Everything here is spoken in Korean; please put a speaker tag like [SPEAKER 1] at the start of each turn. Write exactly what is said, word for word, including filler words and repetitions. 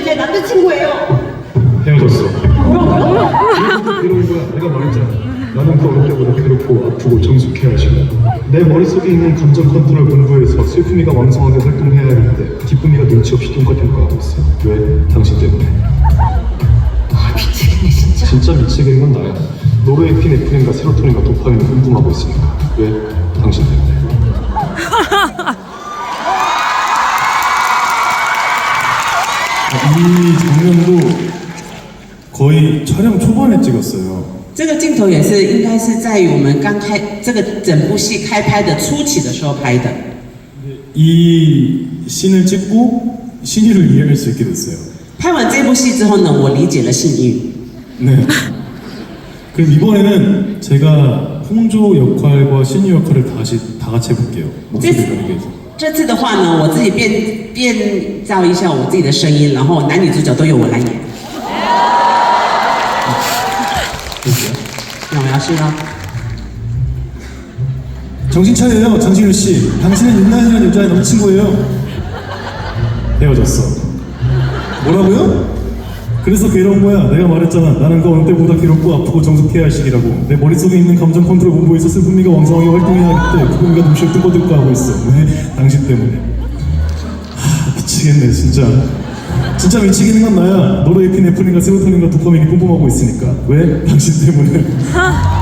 [SPEAKER 1] 제 남자친구예요.
[SPEAKER 2] 헤어졌어.
[SPEAKER 1] 뭐라고요?
[SPEAKER 2] 그래서 괴로운 거야. 내가 말했잖아. 나는 그 어릴 때보다 괴롭고 아프고 정숙해야 하시고 내 머릿속에 있는 감정 컨트롤 공부해서 슬픔이가 왕성하게 활동해야 하는데 기쁨이가 눈치 없이 똥까똥까 하고 있어. 왜? 당신 때문에.
[SPEAKER 1] 아, 미치겠네 진짜.
[SPEAKER 2] 진짜 미치겠는 건 나야. 노르에피네프린과 세로토닌과 도파민을 뿜뿜하고 있으니까. 왜? 당신 때문에.
[SPEAKER 3] 이 장면도 거의 촬영 초반에 찍었어요.
[SPEAKER 4] 这个镜头也是应该是在于我们刚开这个整部戏开拍的初期的时候拍的。
[SPEAKER 3] 이 씬을 찍고 신의를 이해할 수 있게 됐어요.
[SPEAKER 4] 拍完这部戏之后呢，我理解了信义。
[SPEAKER 3] 네. 그럼 이번에는 제가 홍조 역할과 신의 역할을 다시 다 같이 해볼게요. 목소리 변하게 해서.
[SPEAKER 4] 这次的话呢，我自己变变造一下我自己的声音，然后男女主角都由我来演。 那我要试了。
[SPEAKER 3] 정신 차려요, 장신우 씨. 당신은 윤나이라는 여자의 남자친구예요. 헤어졌어. 뭐라고요? 그래서 괴로운 거야. 내가 말했잖아. 나는 그 어느 때보다 괴롭고 아프고 정숙해야 할 시기라고. 내 머릿속에 있는 감정 컨트롤 본부에서 슬픔이가 왕성하게 활동해야 하기 때 기쁨이가 눈시에 뜬거뜬거 하고 있어. 왜? 당신 때문에. 하, 미치겠네 진짜. 진짜 미치겠는 건 나야. 노르에피네프린과 세로토닌과 도파민이 뿜뿜하고 있으니까. 왜? 당신 때문에.